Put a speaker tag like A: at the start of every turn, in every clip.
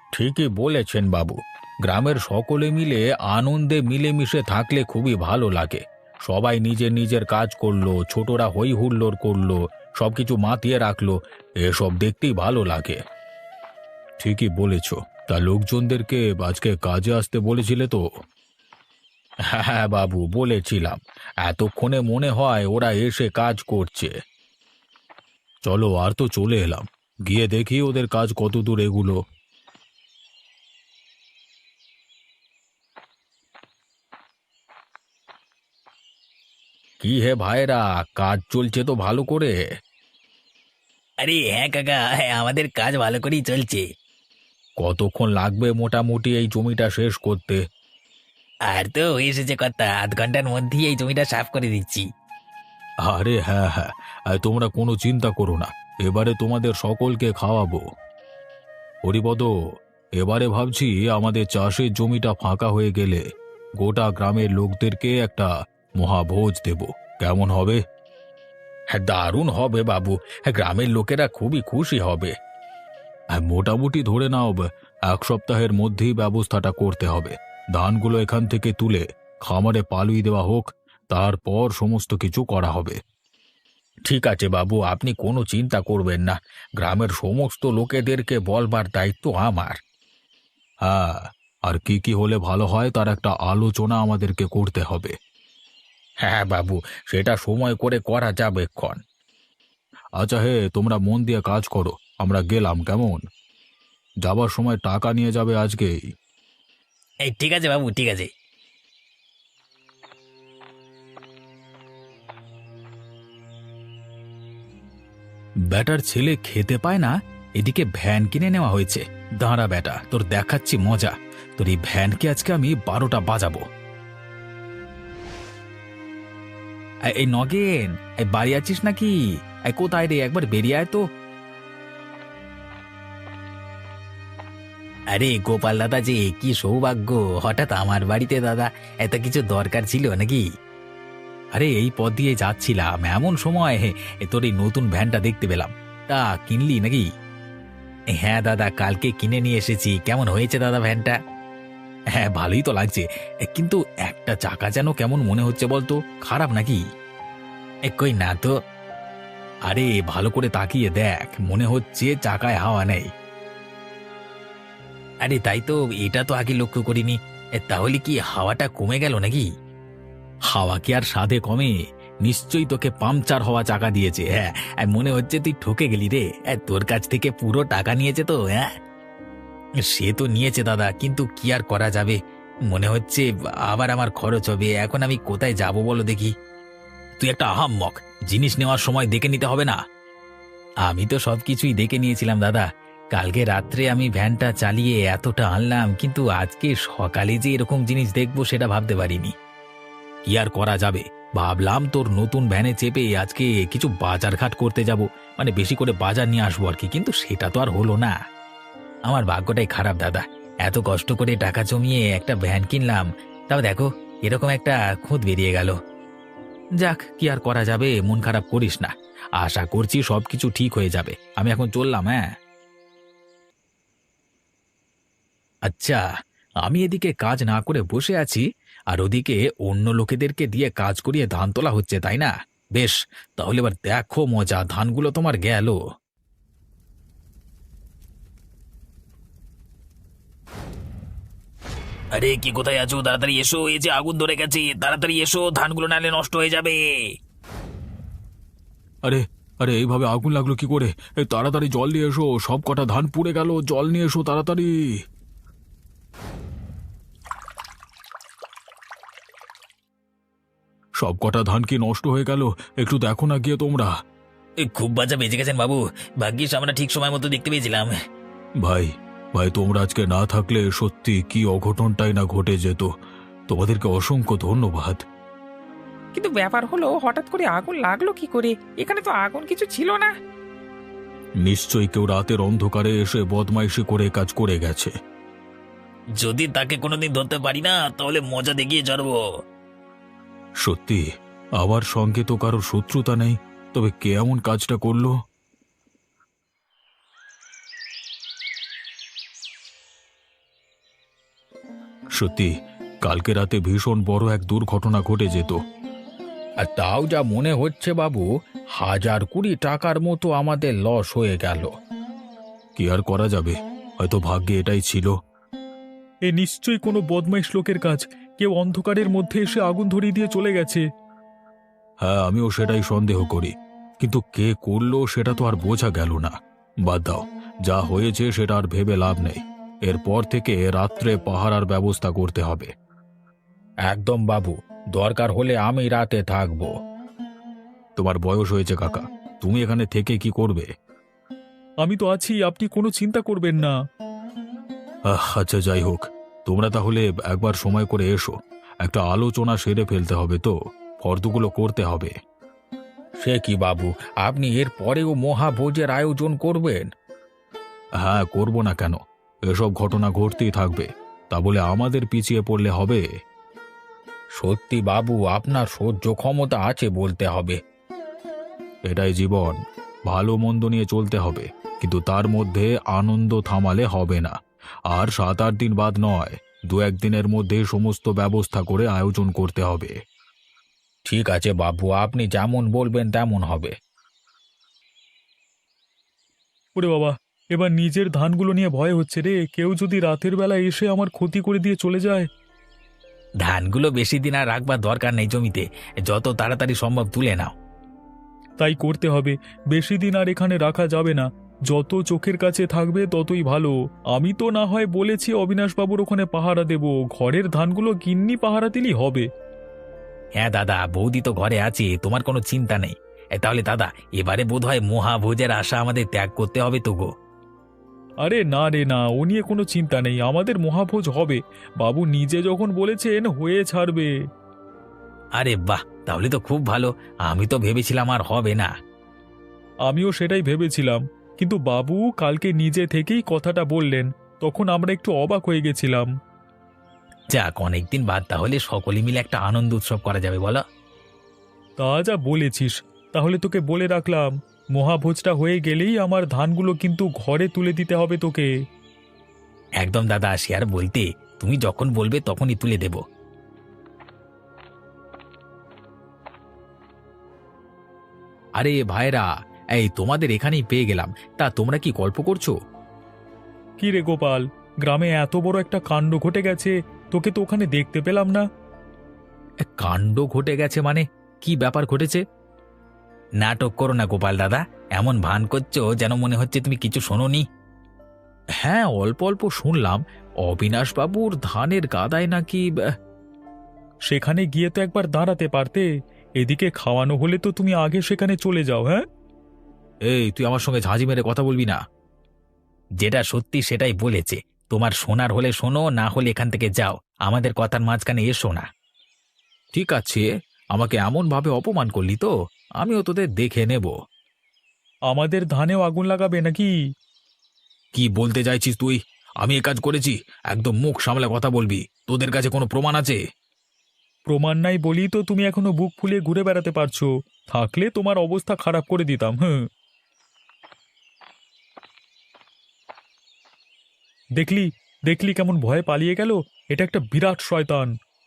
A: ঠিকই বলেছেন বাবু। গ্রামের সকলে মিলে আনন্দে মিলেমিশে থাকলে খুবই ভালো লাগে। সবাই নিজের নিজের কাজ করলো, ছোটরা হই হুল্লোড় করলো, সবকিছু মাতিয়ে রাখলো। এসব দেখতেই ভালো লাগে। ঠিকই বলেছ। তা লোকজনদেরকে আজকে কাজে আসতে বলেছিলে তো? হ্যাঁ হ্যাঁ বাবু, বলেছিলাম। এতক্ষণে মনে হয় ওরা এসে কাজ করছে। চলো, আর তো চলে এলাম। গিয়ে দেখি ওদের কাজ কত দূর এগুলো। কি হে ভাইরা, কাজ চলছে তো ভালো করে?
B: আরে হ্যাঁ কাকা, হ্যাঁ আমাদের কাজ ভালো করেই চলছে।
A: কতক্ষণ লাগবে মোটামুটি এই জমিটা শেষ করতে?
B: আর তো হয়ে এসেছে কথা, আধ ঘন্টার মধ্যেই এই জমিটা সাফ করে দিচ্ছি।
A: আরে হ্যাঁ হ্যাঁ, আর তোমরা কোনো চিন্তা করো না। এবারে তোমাদের সকলকে খাওয়াবো। হরিপদ, এবারে ভাবছি আমাদের চাষের জমিটা ফাঁকা হয়ে গেলে গোটা গ্রামের লোকদেরকে একটা মহাভোজ দেব। কেমন হবে? হ্যাঁ, দারুণ হবে বাবু। হ্যাঁ, গ্রামের লোকেরা খুবই খুশি হবে। হ্যাঁ, মোটামুটি ধরে নাও 1 সপ্তাহের মধ্যেই ব্যবস্থাটা করতে হবে। ধানগুলো এখান থেকে তুলে খামারে পালুই দেওয়া হোক, তারপর সমস্ত কিছু করা হবে। ঠিক আছে বাবু, আপনি কোনো চিন্তা করবেন না। গ্রামের সমস্ত লোকেদেরকে বলবার দায়িত্ব আমার। হ্যাঁ, আর কি কি হলে ভালো হয় তার একটা আলোচনা আমাদেরকে করতে হবে। হ্যাঁ বাবু, সেটা সময় করে করা যাবে ক্ষণ। আচ্ছা হে, তোমরা মন দিয়ে কাজ করো। আমরা গেলাম কেমন? যাবার সময় টাকা নিয়ে যাবে আজকেই।
B: এই ঠিক আছে বাবু, ঠিক আছে।
A: ব্যাটার ছেলে খেতে পায় না, এদিকে ভ্যান কিনে নেওয়া হয়েছে। দাঁড়া বেটা, তোর দেখাচ্ছি মজা। তোর এই ভ্যানকে আজকে আমি 12টা বাজাবো। এই নগেন, এই বাড়ি আছিস নাকি? এই কোথায় রে, একবার বেরিয়ে আয় তো।
B: আরে গোপাল দাদা, যে কি সৌভাগ্য, হঠাৎ আমার বাড়িতে দাদা, এত কিছু দরকার ছিল নাকি?
A: আরে এই পথ দিয়ে যাচ্ছিলাম, এমন সময় তোর এই নতুন ভ্যানটা দেখতে পেলাম। তা কিনলি নাকি?
B: হ্যাঁ দাদা, কালকে কিনে নিয়ে এসেছি। কেমন হয়েছে দাদা ভ্যানটা?
A: হ্যাঁ, ভালোই তো লাগছে। কিন্তু একটা চাকা যেন কেমন মনে হচ্ছে বলতো, খারাপ নাকি?
B: কই না তো।
A: আরে ভালো করে তাকিয়ে দেখ, মনে হচ্ছে চাকায় হাওয়া নেই।
B: আরে তাই তো, এটা তো আগে লক্ষ্য করিনি। তাহলে কি হাওয়াটা কমে গেল নাকি?
A: হাওয়া কি আর সাধে কমে? নিশ্চয়ই তোকে পাংচার হওয়া চাকা দিয়েছে। হ্যাঁ, মনে হচ্ছে তুই ঠকে গেলি রে।
B: তোর কাছ থেকে পুরো টাকা নিয়েছে তো? হ্যাঁ, সে তো নিয়েছে দাদা, কিন্তু কি আর করা যাবে। মনে হচ্ছে আবার আমার খরচ হবে। এখন আমি কোথায় যাব বলো দেখি?
A: তুই একটা আহাম্মক, জিনিস নেওয়ার সময় দেখে নিতে হবে না?
B: আমি তো সবকিছুই দেখে নিয়েছিলাম দাদা। কালকে রাত্রে আমি ভ্যানটা চালিয়ে এতটা আনলাম, কিন্তু আজকে সকালে যে এরকম জিনিস দেখবো সেটা ভাবতে পারিনি।
A: কি আর করা যাবে, ভাবলাম তোর নতুন ভ্যানে চেপে আজকে কিছু বাজারঘাট করতে যাব, মানে বেশি করে বাজার নিয়ে আসবো আর কি, কিন্তু সেটা তো আর হলো না।
B: আমার ভাগ্যটাই খারাপ দাদা। এত কষ্ট করে টাকা জমিয়ে একটা ভ্যান কিনলাম, তাও দেখো এরকম একটা খুঁত বেরিয়ে গেল।
A: যাক, কি আর করা যাবে, মন খারাপ করিস না। আশা করছি সবকিছু ঠিক হয়ে যাবে। আমি এখন চললাম। হ্যাঁ, আচ্ছা, আমি এদিকে কাজ না করে বসে আছি, আর ওদিকে অন্য লোকেদেরকে দিয়ে কাজ করিয়ে ধান তোলা হচ্ছে, তাই না? বেশ, তাহলে এবার দেখো মজা, ধানগুলো তোমার গেল।
B: আরে কি, কোথায় আছো? তাড়াতাড়ি এসো, এই যে আগুন ধরে গেছে, তাড়াতাড়ি এসো, ধানগুলো নাহলে নষ্ট হয়ে যাবে।
A: আরে আরে, এইভাবে আগুন লাগলো কি করে? তাড়াতাড়ি জল নিয়ে এসো, সব কটা ধান পুড়ে গেল। জল নিয়ে এসো তাড়াতাড়ি। সব কটা ধান কি নষ্ট হয়ে গেল? একটু দেখো না গিয়ে তোমরা।
B: খুব বাজা বেঁচে গেছেন বাবু, ভাগ্যিস আমরা ঠিক সময় মতো দেখতে পেয়েছিলাম।
A: ভাই, ভাই তোমরা আজকে না থাকলে সত্যি কি অঘটনটাই না ঘটে যেত। তোমাদেরকে অসংখ্য ধন্যবাদ।
C: কিন্তু ব্যাপার হলো, হঠাৎ করে আগুন লাগলো কি করে? এখানে তো আগুন কিছু ছিল না।
A: নিশ্চয়ই কেউ রাতের অন্ধকারে এসে বদমাইশি করে কাজ করে গেছে।
B: যদি তাকে কোনোদিন ধরতে পারি না, তাহলে মজা দেখিয়ে ছাড়বো।
A: সত্যি, আমার সঙ্গে তো কারো শত্রুতা নেই, তবে কে এমন কাজটা করলো? সত্যি কালকে রাতে ভীষণ বড় এক দুর্ঘটনা ঘটে যেত।
B: আর তাও যা মনে হচ্ছে বাবু, 1020 টাকার মতো আমাদের লস হয়ে গেল।
A: কি আর করা যাবে, হয়তো ভাগ্যে এটাই ছিল।
D: এ নিশ্চয়ই কোনো বদমাইশ লোকের কাজ। কেউ অন্ধকারের মধ্যে এসে আগুন ধরিয়ে দিয়ে চলে গেছে।
A: হ্যাঁ, আমিও সেটাই সন্দেহ করি, কিন্তু কে করলো সেটা তো আর বোঝা গেল না। বাদ দাও, যা হয়েছে সেটা আর ভেবে লাভ নেই। এরপর থেকে রাত্রে পাহারার ব্যবস্থা করতে হবে।
B: একদম বাবু, দরকার হলে আমি রাতে থাকবো।
A: তোমার বয়স হয়েছে কাকা, তুমি এখানে থেকে কি করবে?
D: আমি তো আছি, আপনি কোনো চিন্তা করবেন না।
A: আচ্ছা, যাই হোক, তোমরা তাহলে একবার সময় করে এসো। একটা আলোচনা সেরে ফেলতে হবে, তো ফর্দগুলো করতে হবে।
B: সে কি বাবু, আপনি এর পরেও মহাভোজের আয়োজন করবেন?
A: হ্যাঁ, করব না কেন? এসব ঘটনা ঘটতেই থাকবে, তা বলে আমাদের পিছিয়ে পড়লে হবে?
B: সত্যি বাবু, আপনার সহ্য ক্ষমতা আছে বলতে হবে।
A: এটাই জীবন, ভালো মন্দ নিয়ে চলতে হবে, কিন্তু তার মধ্যে আনন্দ থামালে হবে না। আর 7-8 দিন বাদ নয়, 2-1 দিনের মধ্যে সমস্ত ব্যবস্থা করে আয়োজন করতে হবে।
B: ঠিক আছে বাবু, আপনি যেমন বলবেন তেমন হবে।
D: ওরে বাবা, এবার নিজের ধানগুলো নিয়ে ভয় হচ্ছে রে। কেউ যদি রাতের বেলা এসে আমার ক্ষতি করে দিয়ে চলে যায়।
B: ধানগুলো বেশি দিন আর রাখবার দরকার নেই জমিতে, যত তাড়াতাড়ি সম্ভব তুলে নাও।
D: তাই করতে হবে। বেশি দিন আর এখানে রাখা যাবে না। যত চোখের কাছে থাকবে ততই ভালো। আমি তো না হয় বলেছি অবিনাশবাবুর ওখানে পাহারা দেব, ঘরের ধানগুলো গিন্নি পাহারা দিলেই হবে।
B: হ্যাঁ দাদা, বৌদি তো ঘরে আছে, তোমার কোনো চিন্তা নেই। তাহলে দাদা, এবারে বোধহয় মহাভোজের আশা আমাদের ত্যাগ করতে হবে তো গো।
D: আরে না রে না, ও নিয়ে কোনো চিন্তা নেই, আমাদের মহাভোজ হবে। বাবু নিজে যখন বলেছেন হয়ে ছাড়বে।
B: আরে বাহ, তাহলে তো খুব ভালো। আমি তো ভেবেছিলাম আর হবে না।
D: আমিও সেটাই ভেবেছিলাম, কিন্তু বাবু কালকে নিজে থেকেই কথাটা বললেন, তখন আমরা একটু অবাক হয়ে গেছিলাম।
B: যাক, অনেকদিন বাদ তাহলে সকলে মিলে একটা আনন্দ উৎসব করা যাবে, বলো?
D: তা যা বলেছিস। তাহলে তোকে বলে রাখলাম, মহাভোজটা হয়ে গেলেই আমার ধানগুলো কিন্তু ঘরে তুলে দিতে হবে তোকে।
B: একদম দাদা, সে আর বলতে, তুমি যখন বলবে তখনই তুলে দেব। আরে ভাইরা, এই তোমাদের এখানেই পেয়ে গেলাম। তা তোমরা কি গল্প করছো?
D: কি রে গোপাল, গ্রামে এত বড় একটা কাণ্ড ঘটে গেছে, তোকে তো ওখানে দেখতে পেলাম না।
B: কাণ্ড ঘটে গেছে মানে? কি ব্যাপার ঘটেছে? নাটক করো না গোপাল দাদা, এমন ভান করছো যেন মনে হচ্ছে তুমি কিছু শোনোনি। হ্যাঁ, অল্প অল্প শুনলাম। অবিনাশবাবুর ধানের গাদায় নাকি
D: সেখানে গিয়ে তো একবার দাঁড়াতে পারতে। এদিকে খাওয়ানো হলে তো তুমি আগে সেখানে চলে যাও। হ্যাঁ,
B: এই তুই আমার সঙ্গে ঝাঁঝি মেরে কথা বলবি না। যেটা সত্যি সেটাই বলেছে। তোমার শোনার হলে শোনো, না হলে এখান থেকে যাও, আমাদের কথার মাঝখানে এসো না। ঠিক আছে, আমাকে এমনভাবে অপমান করলি তো, আমিও তোদের দেখে নেব।
D: আমাদের ধানেও আগুন লাগাবে নাকি?
B: কি বলতে চাইছিস তুই? আমি এ কাজ করেছি? একদম মুখ সামলে কথা বলবি। তোদের কাছে কোনো প্রমাণ আছে?
D: প্রমাণ নাই বলি তো তুমি এখনো বুক ফুলিয়ে ঘুরে বেড়াতে পারছো। থাকলে তোমার অবস্থা খারাপ করে দিতাম। হ্যাঁ, দেখলি দেখলি কেমন ভয়ে পালিয়ে গেল। এটা একটা বিরাট শয়তান।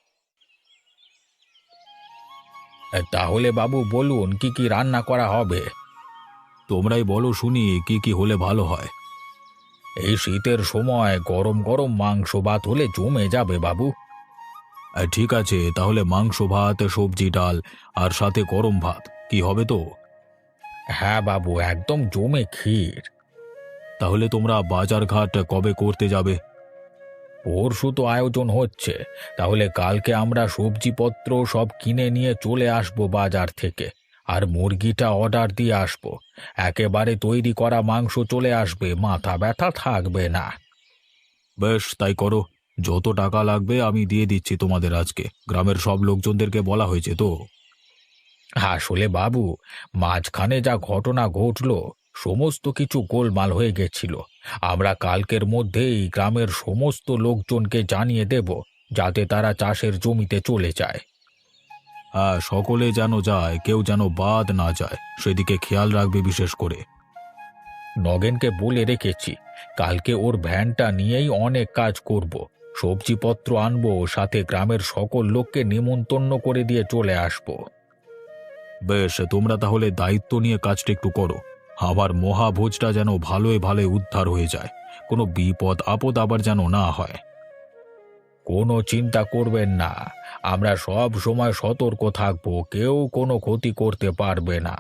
B: তাহলে বাবু বলুন, কি কি রান্না করা হবে?
A: তোমরাই বলো শুনি, কি কি হলে ভালো হয়।
B: এই শীতের সময় গরম গরম মাংস ভাত হলে জমে যাবে বাবু।
A: ঠিক আছে, তাহলে মাংস ভাত, সবজি ডাল আর সাথে গরম ভাত কি হবে তো?
B: হ্যাঁ বাবু, একদম জমে ক্ষীর।
A: তাহলে তোমরা বাজার ঘাট কবে করতে যাবে?
B: পরশু তো আয়োজন হচ্ছে, তাহলে কালকে আমরা সবজিপত্র সব কিনে নিয়ে চলে আসবো বাজার থেকে। আর মুরগিটা অর্ডার দিয়ে আসবো। একেবারে তৈরি করা মাংস চলে আসবে, মাথা ব্যথা থাকবে না।
A: বেশ, তাই করো। যত টাকা লাগবে আমি দিয়ে দিচ্ছি তোমাদের। আজকে গ্রামের সব লোকজনদেরকে বলা হয়েছে তো?
B: আসলে বাবু, মাঝখানে যা ঘটনা ঘটলো, সমস্ত কিছু গোলমাল হয়ে গেছিল। আমরা কালকের মধ্যেই গ্রামের সমস্ত লোকজনকে জানিয়ে দেব, যাতে তারা চাষের জমিতে চলে যায়।
A: হ্যাঁ, সকলে যেন যায়, কেউ যেন বাদ না যায়, সেদিকে খেয়াল রাখবে বিশেষ করে।
B: নগেনকে বলে রেখেছি, কালকে ওর ভ্যানটা নিয়েই অনেক কাজ করব। সবজিপত্র আনবো, সাথে গ্রামের সকল লোককে নিমন্ত্রণ করে দিয়ে চলে আসবো।
A: বেশ, তোমরা তাহলে দায়িত্ব নিয়ে কাজটা একটু করো। আমার মহাভোজটা যেন ভালোই ভালোই উদ্ধার হয়ে যায়, কোনো বিপদ আপদ আবার যেন না হয়।
B: কোনো চিন্তা করবেন না, আমরা সব সময় সতর্ক থাকবো, কেউ কোনো ক্ষতি করতে পারবে না।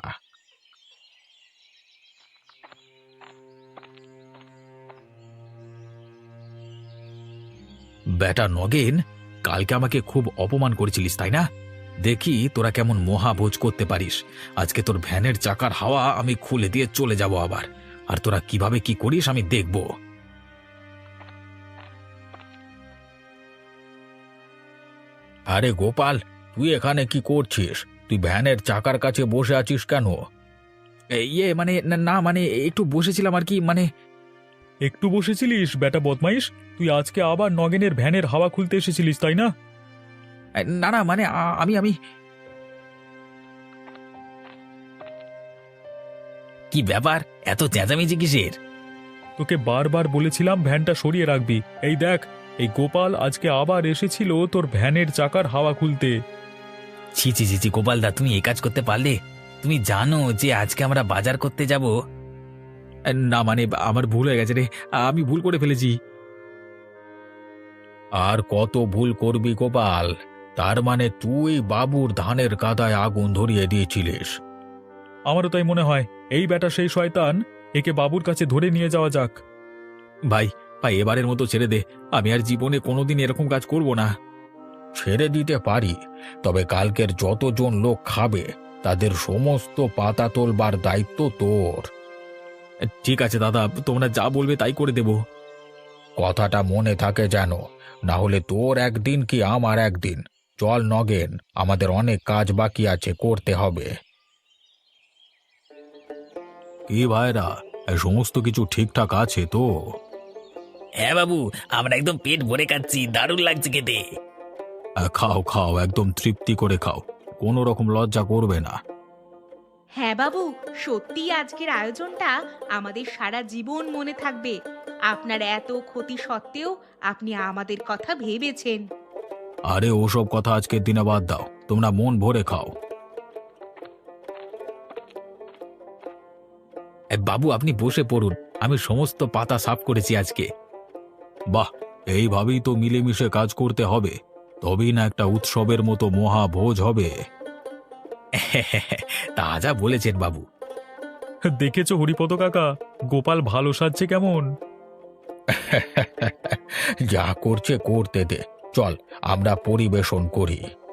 B: বেটা নগেন, কালকে আমাকে খুব অপমান করেছিলিস তাই না? দেখি তোরা কেমন মহাভোজ করতে পারিস। আজকে তোর ভ্যানের চাকার হাওয়া আমি খুলে দিয়ে চলে যাব আবার, আর তোরা কিভাবে কি করিস আমি দেখব। আরে গোপাল, তুই এখানে কি করছিস? তুই ভ্যানের চাকার কাছে বসে আছিস কেন? মানে না মানে একটু বসেছিলাম আর কি, মানে।
D: একটু বসেছিলিস বেটা বদমাইশ? তুই আজকে আবার নগেনের ভ্যানের হাওয়া খুলতে এসেছিলিস তাই না?
B: না না মানে আমি আমি কি ব্যাপার, এত চেঁচামেচি কিসের?
D: তোকে বারবার বলেছিলাম ভ্যানটা সরিয়ে রাখবি। এই দেখ, এই গোপাল আজকে আবার এসেছিল তোর ভ্যানের চাকার হাওয়া খুলতে।
B: ছি ছি ছি ছি, গোপালদা তুমি এই কাজ করতে পারলে? তুমি জানো যে আজকে আমরা বাজার করতে যাব। না মানে আমার ভুল হয়ে গেছে রে, আমি ভুল করে ফেলেছি। আর কত ভুল করবি গোপাল? তার মানে তুই বাবুর ধানের কাদায় আগুন ধরিয়ে দিয়েছিলিস?
D: আমারও তাই মনে হয়। এই বেটা সেই শয়তান, একে বাবুর কাছে ধরে নিয়ে যাওয়া যাক।
B: ভাই ভাই, এবারের মতো ছেড়ে দে, আমি আর জীবনে কোনোদিন এরকম কাজ করব না। ছেড়ে দিতে পারি, তবে কালকের যতজন লোক খাবে তাদের সমস্ত পাতা তোলবার দায়িত্ব তোর। ঠিক আছে দাদা, তোমরা যা বলবে তাই করে দেব। কথাটা মনে থাকে যেন, না হলে তোর একদিন কি আমার একদিন। চল নগেন, আমাদের অনেক কাজ বাকি আছে, করতে হবে।
A: কি ভাইরা, এই সমস্ত কিছু ঠিকঠাক আছে তো?
B: হ্যাঁ বাবু, আমরা একদম পেট ভরে খাচ্ছি, দারুণ লাগছে খেতে।
A: খাও খাও, একদম তৃপ্তি করে খাও, কোনো রকম লজ্জা করবে না।
E: হ্যাঁ বাবু, সত্যি আজকের আয়োজনটা আমাদের সারা জীবন মনে থাকবে। আপনার এত ক্ষতি সত্ত্বেও আপনি আমাদের কথা ভেবেছেন।
A: আরে ওসব কথা আজকের দিনে বাদ দাও, তোমরা মন ভরে খাও।
B: বাবু আপনি বসে পড়ুন, আমি সমস্ত পাতা সাফ করেছি আজকে।
A: বাহ, এইভাবেই তো মিলেমিশে কাজ করতে হবে, তবেই না একটা উৎসবের মতো মহাভোজ হবে।
B: তা যা বলেছেন বাবু।
D: দেখেছো হরিপদ কাকা, গোপাল ভালো সাজছে কেমন?
B: যা করছে করতে দে, চল আমরা পরিবেশন করি।